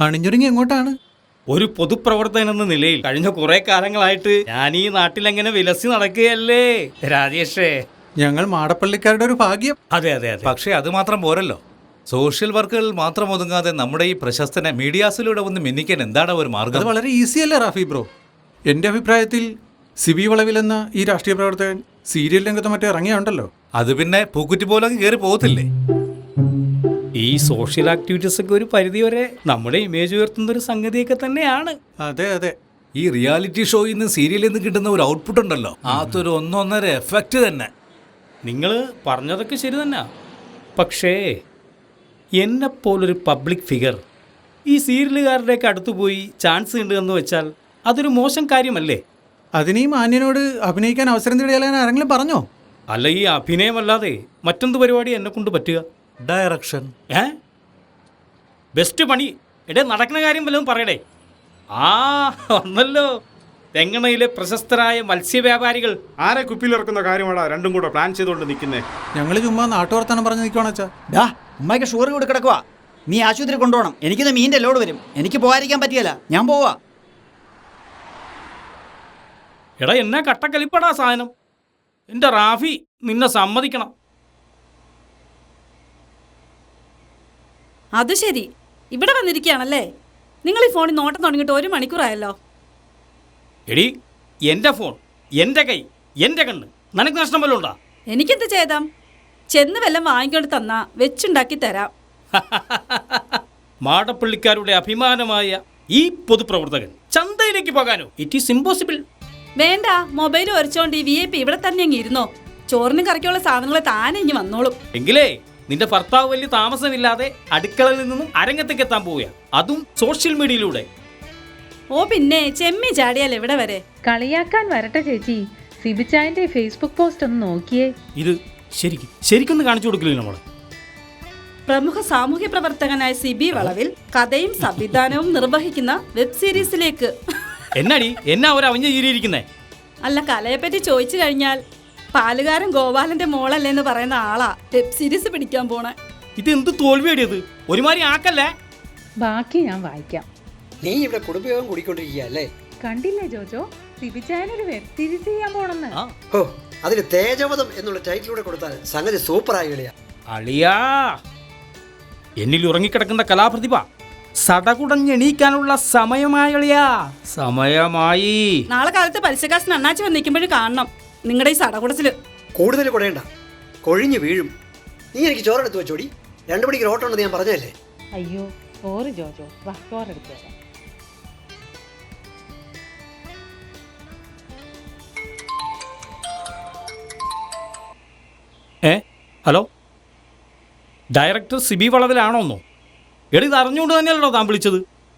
അണിഞ്ഞൊരുങ്ങി എങ്ങോട്ടാണ്? ഒരു പൊതുപ്രവർത്തകൻ എന്ന നിലയിൽ കഴിഞ്ഞ കുറെ കാലങ്ങളായിട്ട് ഞാൻ ഈ നാട്ടിലെങ്ങനെ വിലസി നടക്കുകയല്ലേ രാജേഷേ. ഞങ്ങൾ മാടപ്പള്ളിക്കാരുടെ ഒരു ഭാഗ്യം. അതെ അതെ അതെ. പക്ഷേ അത് മാത്രം പോരല്ലോ. സോഷ്യൽ വർക്കുകളിൽ മാത്രം ഒതുങ്ങാതെ നമ്മുടെ ഈ പ്രശസ്തനെ മീഡിയാസിലൂടെ ഒന്ന് മിന്നിക്കാൻ എന്താണ് ഒരു അത് മാർഗം? വളരെ ഈസി അല്ലേ റാഫി ബ്രോ? എൻ്റെ അഭിപ്രായത്തിൽ സിബി വളവിൽ എന്ന ഈ രാഷ്ട്രീയ പ്രവർത്തകൻ സീരിയൽ രംഗത്ത് മറ്റേ ഇറങ്ങിയുണ്ടല്ലോ. അത് പിന്നെ പൂക്കുറ്റി പോലെ കയറി പോകത്തില്ലേ? ഈ സോഷ്യൽ ആക്ടിവിറ്റീസ് ഒക്കെ ഒരു പരിധി വരെ നമ്മുടെ ഇമേജ് ഉയർത്തുന്ന ഒരു സംഗതിയൊക്കെ തന്നെയാണ്. അതെ അതെ. ഈ റിയാലിറ്റി ഷോയിൽ നിന്ന് സീരിയലിൽ നിന്ന് കിട്ടുന്ന ഒരു ഔട്ട്പുട്ട് ഉണ്ടല്ലോ, അതൊരു ഒന്നൊന്നര എഫക്റ്റ് തന്നെ. നിങ്ങൾ പറഞ്ഞതൊക്കെ ശരി തന്നെ. പക്ഷേ എന്നെപ്പോലൊരു പബ്ലിക് ഫിഗർ ഈ സീരിയലുകാരുടെയൊക്കെ അടുത്ത് പോയി ചാൻസ് ഉണ്ട് എന്ന് വെച്ചാൽ അതൊരു മോശം കാര്യമല്ലേ? അതിന് ഈ മാന്യനോട് അഭിനയിക്കാൻ അവസരം തേടിയാൽ ആരെങ്കിലും പറഞ്ഞോ? അല്ല, ഈ അഭിനയമല്ലാതെ മറ്റെന്ത് പരിപാടി എന്നെ കൊണ്ട് പറ്റുക? ഡയറക്ഷൻ. ബെസ്റ്റ് പണി. എടേ, നടക്കുന്ന കാര്യം വല്ലതും പറയടേ. വന്നല്ലോ തെങ്ങണയിലെ പ്രശസ്തരായ മത്സ്യവ്യാപാരികൾ. ആരെ കുപ്പിയിലിറക്കുന്ന കാര്യമാടാ രണ്ടും കൂടെ പ്ലാൻ ചെയ്തുകൊണ്ട് നിൽക്കുന്നേ? ഞങ്ങൾ ചുമ്മാ നാട്ടുവർത്താനം പറഞ്ഞ് നിൽക്കുവാണച്ചാ. ഉമ്മയ്ക്ക് ഷുഗർ കൂടി കിടക്കുക. നീ ആശുപത്രി കൊണ്ടുപോകണം. എനിക്കിത് മീൻ്റെ ലോഡ് വരും. എനിക്ക് പോകാതിരിക്കാൻ പറ്റിയല്ല. ഞാൻ പോവാ. എടാ, എന്നാ കട്ടക്കലിപ്പടാ സാധനം. എൻ്റെ റാഫി, നിന്നെ സമ്മതിക്കണം. അത് ശരി, ഇവിടെ വന്നിരിക്കുകയാണല്ലേ. നിങ്ങൾ ഈ ഫോണിൽ നോട്ടം തുടങ്ങിയിട്ട് 1 മണിക്കൂറായല്ലോ. എടി, എൻ്റെ ഫോൺ, എൻ്റെ കൈ, എൻ്റെ കണ്ണ്, നിനക്ക് നഷ്ടം വല്ലതും ഉണ്ടാ? എനിക്കെന്ത് ചെയ്താം? ചെന്ന് വല്ലതും വാങ്ങിക്കൊണ്ട് തന്നാ വെച്ചുണ്ടാക്കി തരാം. മാടപ്പള്ളിക്കാരുടെ അഭിമാനമായ ഈ പൊതുപ്രവർത്തകൻ ചന്തയിലേക്ക് പോകാനോ? It is impossible. വേണ്ട, മൊബൈൽ ഒരച്ചോണ്ട് ഈ VIP ഇവിടെ തന്നെ അങ്ങ് ഇരുന്നോ. ചോറിനും കറിക്കുള്ള സാധനങ്ങൾ താനെ ഇനി വന്നോളും. എങ്കിലേ നിന്റെ ഭർത്താവ് വലിയ താമസമില്ലാതെ അടുക്കളയിൽ നിന്നും അരങ്ങത്തേക്ക് എത്താൻ പോവുക, അതും സോഷ്യൽ മീഡിയയിലൂടെ. ഓ പിന്നെ, ചെമ്മി ചാടിയാൽ എവിടെ വരെ? കളിയാക്കാൻ വരട്ടെ ചേച്ചി. സിബിച്ചായന്റെ ഫേസ്ബുക്ക് പോസ്റ്റ് ഒന്ന് നോക്കിയേ. ഇത് ശരിക്കൊന്ന് കാണിച്ചു കൊടുക്കില്ല നമ്മൾ. പ്രമുഖ സാമൂഹ്യ പ്രവർത്തകനായ സിബി വളവിൽ കഥയും സംവിധാനവും നിർവഹിക്കുന്ന വെബ് സീരീസിലേക്ക്. എന്നാ ഒരു അവഞ്ഞ ചീരിയിരിക്കുന്നേ? അല്ല, കലയെപ്പറ്റി ചോദിച്ചു കഴിഞ്ഞാൽ പാലുകാരൻ ഗോപാലന്റെ മോളല്ലേന്ന് പറയുന്ന ആളാ വെബ് സീരീസ് പിടിക്കാൻ പോണേ. ഇത് എന്ത് തോൽവിയടിയത്? ഒരുമാതിരി ആക്കല്ലേ. ബാക്കി ഞാൻ വായിക്കാം. നീ ഇവിടെ കുടുംബയോഗം കൂടിക്കൊണ്ടിരിക്കുകയല്ലേ? കണ്ടില്ലേ ജോജോ, സിബിച്ചായനൊരു വെബ് സീരീസ് ചെയ്യാൻ പോണെന്ന്. ഓ, അതിന് തേജവധം എന്നുള്ള ടൈറ്റിലൂടെ കൊടുത്താൽ സംഗതി സൂപ്പറായി കളിയാ. അളിയാ, എന്നിൽ ഉറങ്ങിക്കിടക്കുന്ന കലാപ്രതിഭ സടകുടഞ്ഞെണീക്കാനുള്ള സമയമായളിയാ, സമയമായി. നാളെ കാലത്ത് പലിശക്കാശിന് അണ്ണാച്ചി വന്ന് നിൽക്കുമ്പോഴും കാണണം നിങ്ങളുടെ ഈ സടകുടച്ചില്. കൂടുതൽ കുടയണ്ട, കൊഴിഞ്ഞു വീഴും. നീ എനിക്ക് ചോറെടുത്ത് വെച്ചോടി. 2 മണിക്ക് ഓട്ടം ഉണ്ടെന്ന് ഞാൻ പറഞ്ഞല്ലേ? അയ്യോ സോറി ജോജോ, വാ ചോറെടുത്തു തരാം. ഹലോ, ഡയറക്ടർ സിബി വളവിലാണോന്നോ? എടി, ഇത് അറിഞ്ഞുകൊണ്ട് തന്നെയല്ലോ താൻ വിളിച്ചത്?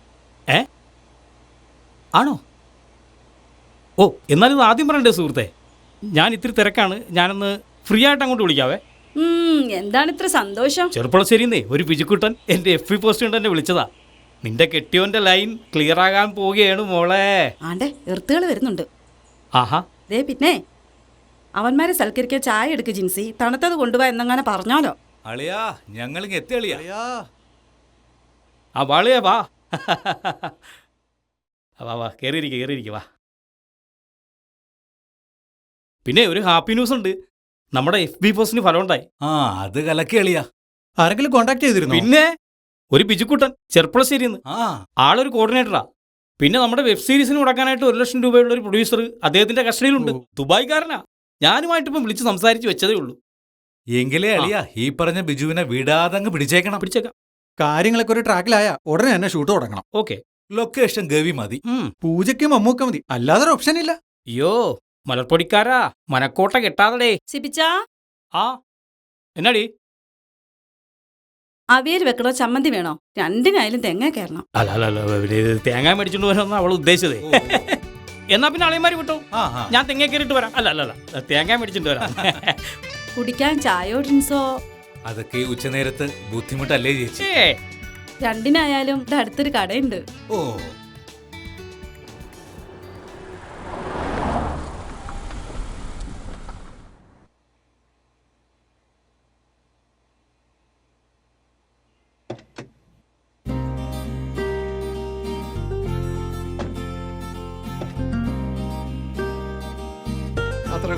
ആണോ? ഓ, എന്നാലും ഇത് ആദ്യം പറയണ്ടേ സുഹൃത്തെ. ഞാൻ ഇത്തിരി തിരക്കാണ്. ഞാനൊന്ന് ഫ്രീ ആയിട്ട് അങ്ങോട്ട് വിളിക്കാവേ. എന്താണ് ഇത്ര സന്തോഷം? ചെറുപ്പളശ്ശേരിന്നേ ഒരു പിജുക്കുട്ടൻ എൻ്റെ FB പോസ്റ്റ് കൊണ്ട് എന്നെ വിളിച്ചതാ. നിന്റെ കെട്ടിയോന്റെ ലൈൻ ക്ലിയർ ആകാൻ പോവുകയാണ് മോളെ. ആണ്ടെ, എർത്തുകൾ വരുന്നുണ്ട്. ആഹാ, ദേ പിന്നെ അവന്മാരെ സൽക്കരിക്കാൻ ചായ എടുക്ക് ജിൻസി. തണുത്തത് കൊണ്ടുപോയി എന്നങ്ങനെ പറഞ്ഞാലോ. അളിയാ, ഞങ്ങളിങ്ങ് എത്തി അളിയാ. ആ വാളിയാ, വാ വാ വാ, കയറിയിരിക്കുക വാ. പിന്നെ ഒരു ഹാപ്പി ന്യൂസ് ഉണ്ട്. നമ്മുടെ FB പോസ്റ്റിന് ഫലം ഉണ്ടായി. അത് കലക്കി അളിയാ. ആരെങ്കിലും കോണ്ടാക്ട് ചെയ്തിരുന്നു? പിന്നെ ഒരു പിജുക്കുട്ടൻ ചെറുപ്പളശ്ശേരിന്ന്. ആളൊരു കോർഡിനേറ്ററാ. പിന്നെ നമ്മുടെ വെബ് സീരീസിന് മുടക്കാനായിട്ട് 1 ലക്ഷം രൂപയുള്ള ഒരു പ്രൊഡ്യൂസർ അദ്ദേഹത്തിന്റെ കസ്റ്റഡിയിലുണ്ട്. ദുബായ്ക്കാരനാ. ഞാനുമായിട്ടിപ്പം വിളിച്ച് സംസാരിച്ച് വെച്ചതേ ഉള്ളൂ. എങ്കിലേ അളിയാ ഈ പറഞ്ഞ ബിജുവിനെ വിടാതങ്ങ് പിടിച്ചേക്കാം. കാര്യങ്ങളൊക്കെ ഒരു ട്രാക്കിലായ ഉടനെ തന്നെ ഷൂട്ട് തുടങ്ങണം. ഓക്കെ, ലൊക്കേഷൻ ഗവി മതി. പൂജയ്ക്കും മമ്മൂക്ക മതി, അല്ലാതെ ഓപ്ഷൻ ഇല്ല. അയ്യോ മലർപ്പൊടിക്കാരാ, മനക്കോട്ട കെട്ടാതടേ. സിബിച്ചാ, എന്നാടി? അവിയൽ വെക്കണോ ചമ്മന്തി വേണോ? രണ്ടിനായാലും തെങ്ങ കയറണം. അല്ല, തേങ്ങ മേടിച്ചോണ്ട് വരാമെന്നാ അവൾ ഉദ്ദേശിച്ചതേ. എന്നാ പിന്നെ അളിയന്മാര് വിട്ടോ, ഞാൻ തെങ്ങ കയറിയിട്ട് വരാം. അല്ല, തേങ്ങ മേടിച്ചിട്ട് വരാം. കുടിക്കാൻ ചായയോ ഡ്രിങ്ക്സോ? അതൊക്കെ ഉച്ചനേരത്ത് ബുദ്ധിമുട്ടല്ലേ ചേച്ചി? രണ്ടിനായാലും ഇവിടെ അടുത്തൊരു കടയുണ്ട്. ഓ,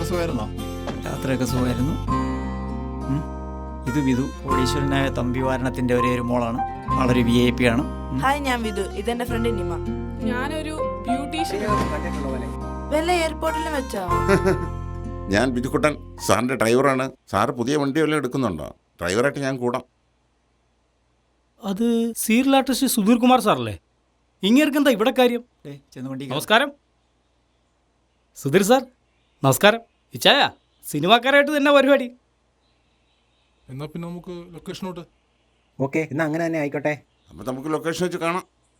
സുഖമായിരുന്നോ? യാത്രയൊക്കെ സുഖമായിരുന്നു. ഇത് വിധു, കോടീശ്വരനായ തമ്പിവാരണത്തിൻ്റെ ഒരേ ഒരു മോളാണ്. ആളൊരു VIP ആണ്. ഹായ്, ഞാൻ വിധു. ഇതെന്റെ ഫ്രണ്ട് നിമ. ഞാനൊരു ബ്യൂട്ടീഷ്യൻ. വല്ല എയർപോർട്ടിലും വെച്ചോ? ഞാൻ ബിജുക്കുട്ടൻ, സാറിൻ്റെ ഡ്രൈവറാണ്. സാറ് പുതിയ വണ്ടി വല്ലതും എടുക്കുന്നുണ്ടോ? ഡ്രൈവറായിട്ട് ഞാൻ കൂടാം. അത് സീരിയൽ ആർട്ടിസ്റ്റ് സുധീർ കുമാർ സാറല്ലേ? ഇങ്ങേർക്കെന്താ ഇവിടെ കാര്യം? ചെന്ന് വണ്ടി നമസ്കാരം സുധീർ സാർ. നമസ്കാരം. ഇച്ചായ സിനിമാക്കാരായിട്ട് തന്നെ പരിപാടി. എന്നാ പിന്നെ നമുക്ക് ലൊക്കേഷനോട്ട്. ഓക്കെ, എന്നാ അങ്ങനെ തന്നെ ആയിക്കോട്ടെ. അപ്പം നമുക്ക് ലൊക്കേഷൻ വെച്ച് കാണാം.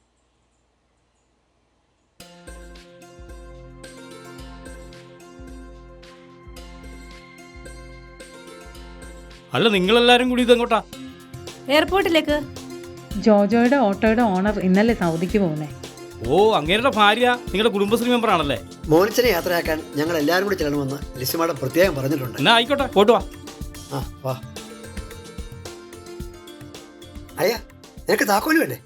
അല്ല, നിങ്ങളെല്ലാരും കൂടി ഇതെങ്ങോട്ടാ? എയർപോർട്ടിലേക്ക്. ജോജോയുടെ ഓട്ടോയുടെ ഓണർ ഇന്നലെ സൗദിക്ക് പോകുന്നേ. ഓ, അങ്ങേരുടെ ഭാര്യ നിങ്ങളുടെ കുടുംബശ്രീ മെമ്പർ ആണല്ലേ? മോനിച്ചനെ യാത്രയാക്കാൻ ഞങ്ങൾ എല്ലാവരും കൂടി ചെല്ലണമെന്ന് ലിസി മാഡം പ്രത്യേകം പറഞ്ഞിട്ടുണ്ട്. എന്നാ ആയിക്കോട്ടെ, പോട്ട് വാ. ആ വാ. അയ്യാ, നിനക്ക് താക്കോല് വേണ്ടേ?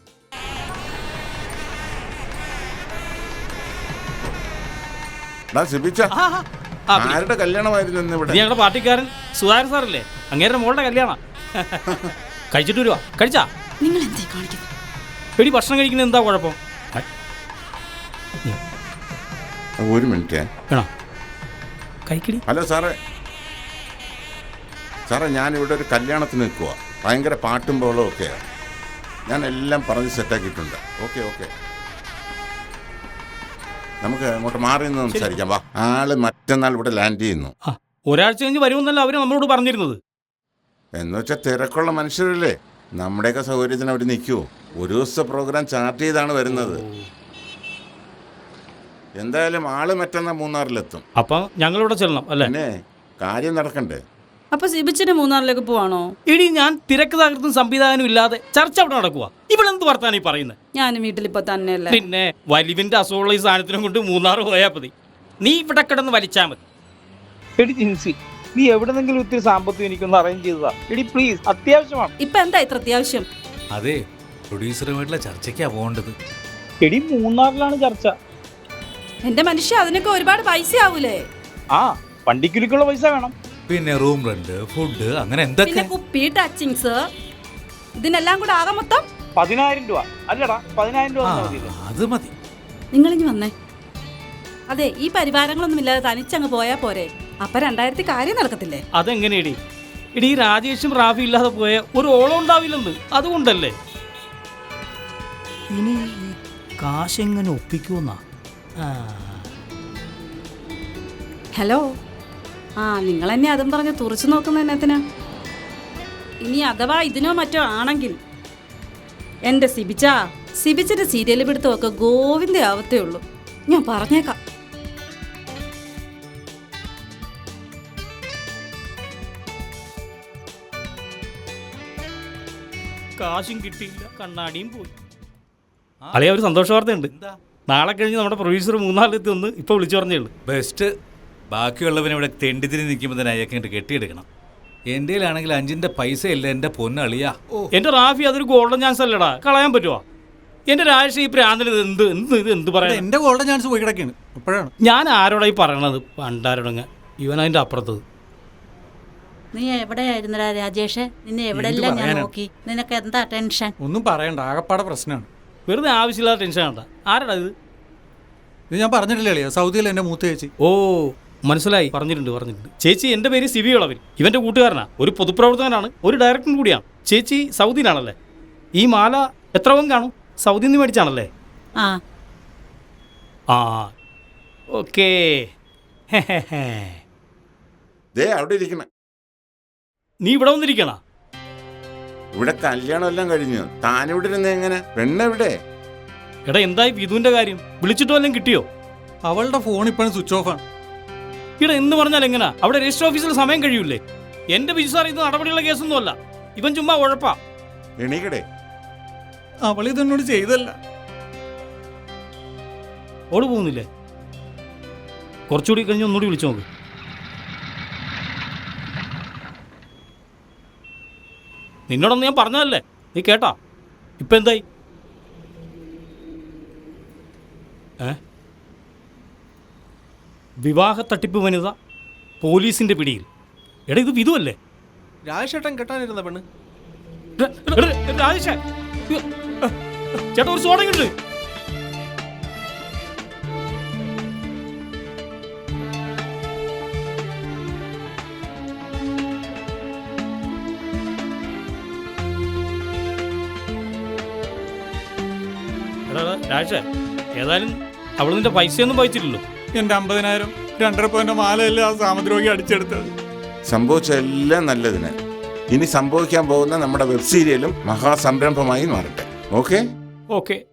സിബിച്ച, ആരുടെ കല്യാണമായിരുന്നു ഇന്ന് ഇവിടെ? ഇത് ഞങ്ങളുടെ പാർട്ടിക്കാരൻ സുധാകരൻ സാറല്ലേ? അങ്ങേരുടെ മോളുടെ കല്യാണം. കഴിച്ചിട്ട് വരുവാ. കഴിച്ചാ? നിങ്ങൾ എന്തേ കാണിക്കുന്നത്? എടി, ഭക്ഷണം കഴിക്കുന്നത് എന്താ കുഴപ്പം? ഒരു മിനിറ്റ്. വേണോ? കഴിക്കടി. ഹലോ സാറേ. സാറേ, ഞാനിവിടെ ഒരു കല്യാണത്തിന് നിൽക്കുക. ഭയങ്കര പാട്ടും ബോളും ഒക്കെയാണ്. ഞാൻ എല്ലാം പറഞ്ഞ് സെറ്റാക്കിയിട്ടുണ്ട്. ഓക്കെ ഓക്കെ, നമുക്ക് അങ്ങോട്ട് മാറി നിന്ന് സംസാരിക്കാം. വാ. ആള് മറ്റന്നാൾ ഇവിടെ ലാൻഡ് ചെയ്യുന്നു. ഒരാഴ്ച കഴിഞ്ഞ് വരുമെന്നല്ല അവര് നമ്മളോട് പറഞ്ഞിരുന്നത്. എന്ന് വെച്ചാൽ തിരക്കുള്ള മനുഷ്യരല്ലേ, നമ്മുടെയൊക്കെ സൗകര്യത്തിന് അവർ നിൽക്കുമോ? ഒരു ദിവസത്തെ പ്രോഗ്രാം ചാർട്ട് ചെയ്താണ് വരുന്നത്. എന്തായാലും ആള് മറ്റന്നാൾ മൂന്നാറിലെത്തും. അപ്പൊ ഞങ്ങളിവിടെ ചെല്ലണം അല്ലേ? പിന്നെ കാര്യം നടക്കണ്ടേ? അപ്പൊ സിബിച്ചിന് മൂന്നാറിലേക്ക് പോവാണോ? എടി, ഞാൻ തിരക്ക് തകർത്തും സംവിധാനം ഇല്ലാതെ ചർച്ച അവിടെ നടക്കുക. ഇവളെന്ത് വർത്താനം ഈ പറയുന്നത്? ഞാനും വീട്ടിലിപ്പോ തന്നെയല്ലേ. പിന്നെ വലിവിന്റെ അസുഖമുള്ള ഈ സാധനത്തിനും കൊണ്ട് മൂന്നാറ് പോയാൽ മതി. നീ ഇവിടെ കിടന്ന് വലിച്ചാൽ മതി. എടി ജിൻസി, നീ എവിടെന്നെങ്കിലും ഇത്തിരി സാമ്പത്തികം എനിക്കൊന്ന് അറേഞ്ച് ചെയ്തതാ. എടി പ്ലീസ്, അത്യാവശ്യമാണ്. ഇപ്പൊ എന്താ ഇത്ര അത്യാവശ്യം? അതെ, പ്രൊഡ്യൂസറുമായിട്ടുള്ള ചർച്ചയ്ക്കാ പോകേണ്ടത്. എടി, മൂന്നാറിലാണ് ചർച്ച. എന്റെ മനുഷ്യ, അതിനൊക്കെ ഒരുപാട് പൈസ ആവൂലേ? ആ, വണ്ടിക്കുലിക്കുള്ള പൈസ വേണം. പിന്നെ റൂം റെന്റ്, ഫുഡ്, അങ്ങനെ എന്തൊക്കെ. പിന്നെ കുപ്പി, ടച്ചിങ്സ്, ഇതിനെല്ലാം കൂടെ ആകെ മൊത്തം 10,000 രൂപ. അല്ലടാ, 10,000 രൂപ മതിയില്ലേ? അത് മതി. നിങ്ങളിഞ്ഞ് വന്നേ. അതെ, ഈ പരിവാരങ്ങളൊന്നും ഇല്ലാതെ തനിച്ചങ്ങ് പോയാ പോരെ. അപ്പൊ 2000 കാര്യം നടക്കത്തില്ലേ? അതെങ്ങനെയടി? എടി, രാജേഷും റാഫി ഇല്ലാതെ പോയ ഒരു ഓളം ഉണ്ടാവില്ലെന്ന്. അതുകൊണ്ടല്ലേ. ഇനി ഈ കാശെങ്ങനെ ഒപ്പിക്കുമെന്നാ? ഹലോ. നിങ്ങൾ എന്നെ അതും പറഞ്ഞ് തുറച്ചു നോക്കുന്ന എന്നത്തിനാ? ഇനി അഥവാ ഇതിനോ മറ്റോ ആണെങ്കിൽ എൻ്റെ സിബിച്ചിന്റെ സീരിയൽ പിടുത്തമൊക്കെ ഗോവിന്ദ ആവത്തേ ഉള്ളൂ. ഞാൻ പറഞ്ഞേക്കാം. കാശും കിട്ടിയില്ല, കണ്ണാടിയും പോയി. അളിയ, ഒരു സന്തോഷ വാർത്തയുണ്ട്. നാളെ കഴിഞ്ഞ് നമ്മുടെ പ്രൊഡ്യൂസർ മൂന്നാറിലെത്തി ഒന്ന് ഇപ്പൊ വിളിച്ചു പറഞ്ഞേ ഉള്ളൂ. ബെസ്റ്റ്. ബാക്കിയുള്ളവനെ ഇവിടെ തെണ്ടിതിരി നിൽക്കുമ്പോൾ തന്നെ അയക്കേണ്ട കെട്ടിയെടുക്കണം. എൻ്റെ കയ്യിലാണെങ്കിൽ 5-ന്റെ പൈസ ഇല്ല എൻ്റെ പൊന്നളിയാ. എന്റെ റാഫി, അതൊരു ഗോൾഡൻ ചാൻസ് അല്ലടാ, കളയാൻ പറ്റുമോ? എന്റെ രാജേഷ്, ഈ പ്രാന്തിന് എന്ത് പറയാ? എന്റെ ഗോൾഡൻ ചാൻസ് പോയി കിടക്കാണ്. എപ്പോഴാണ് ഞാൻ ആരോടായി പറയണത്? പണ്ടാരോടങ്ങ ഇവൻ അതിന്റെ അപ്പുറത്തത്. നീ എവിടെയായിരുന്നടാ രാജേഷ്? നിന്നെ എവിടെല്ലാം ഞാൻ നോക്കി. നിനക്ക് എന്താ ടെൻഷൻ? ഒന്നും പറയണ്ട, ആകപ്പാടെ പ്രശ്നമാണ്. വെറുതെ ആവശ്യമില്ലാത്ത ടെൻഷൻ വേണ്ട. ആരാടാ ഇത്? ഇത് ഞാൻ പറഞ്ഞിട്ടില്ലേ അളിയാ, സൗദിയിലെ എൻ്റെ മൂത്ത ചേച്ചി. ഓ, മനസ്സിലായി. പറഞ്ഞിട്ടുണ്ട്. ചേച്ചി, എൻ്റെ പേര് സിബി ഇളവൻ. ഇവന്റെ കൂട്ടുകാരനാ. ഒരു പൊതുപ്രവർത്തകനാണ്, ഒരു ഡയറക്ടറും കൂടിയാണ്. ചേച്ചി സൗദിയിലാണല്ലേ? ഈ മാല എത്ര പവൻ കാണും? സൗദിയിൽ നിന്ന് മേടിച്ചാണല്ലേ? ആ ഓക്കേ. അവിടെ ഇരിക്കണ. നീ ഇവിടെ വന്നിരിക്കണ? ഇവിടെ കല്യാണം എല്ലാം കഴിഞ്ഞു. താനിവിടെ ഇരുന്ന എങ്ങനെ? പെണ്ണെവിടെ? എടാ, എന്തായി വിധുവിന്റെ കാര്യം? വിളിച്ചിട്ടോ എല്ലാം കിട്ടിയോ? അവളുടെ ഫോൺ ഇപ്പോഴും സ്വിച്ച് ഓഫ് ആണ്. ഇവിടെ എന്ന് പറഞ്ഞാൽ എങ്ങനാ? അവിടെ രജിസ്റ്റർ ഓഫീസിൽ സമയം കഴിയൂലേ? എന്റെ ബിജു സാർ, ഇത് നടപടിയുള്ള കേസൊന്നും അല്ല. ഇവൻ ചുമ്മാ ഉഴപ്പാ. എണീക്കടേ. അവളിതെന്നോട് ചെയ്തല്ല. ഓട് പോകുന്നില്ലേ? കുറച്ചുകൂടി കഴിഞ്ഞ് ഒന്നുകൂടി വിളിച്ചു നോക്ക്. നിന്നോടൊന്ന് ഞാൻ പറഞ്ഞതല്ലേ, നീ കേട്ടാ? ഇപ്പൊ എന്തായി? വിവാഹ തട്ടിപ്പ് വനിത പോലീസിന്റെ പിടിയിൽ. എടാ ഇത് വിധു അല്ലേ? രാജേട്ടൻ കെട്ടാനിരുന്ന പെണ്ണ്. രാജേഷേ, ചേട്ടാ ഒരു സോഡ കിട്ടു. രാജേഷേ, ഏതായാലും അവൾ നിന്റെ പൈസയൊന്നും വായിച്ചില്ലല്ലോ. എൻ്റെ 50,000 2.5 പവൻ്റെ മാലയല്ലേ ആ സാമദ്രോഹി അടിച്ചെടുത്തത്. സംഭവിച്ച എല്ലാം നല്ലതിന്. ഇനി സംഭവിക്കാൻ പോകുന്ന നമ്മുടെ വെബ് സീരിയലും മഹാസംരംഭമായി മാറട്ടെ. Okay okay.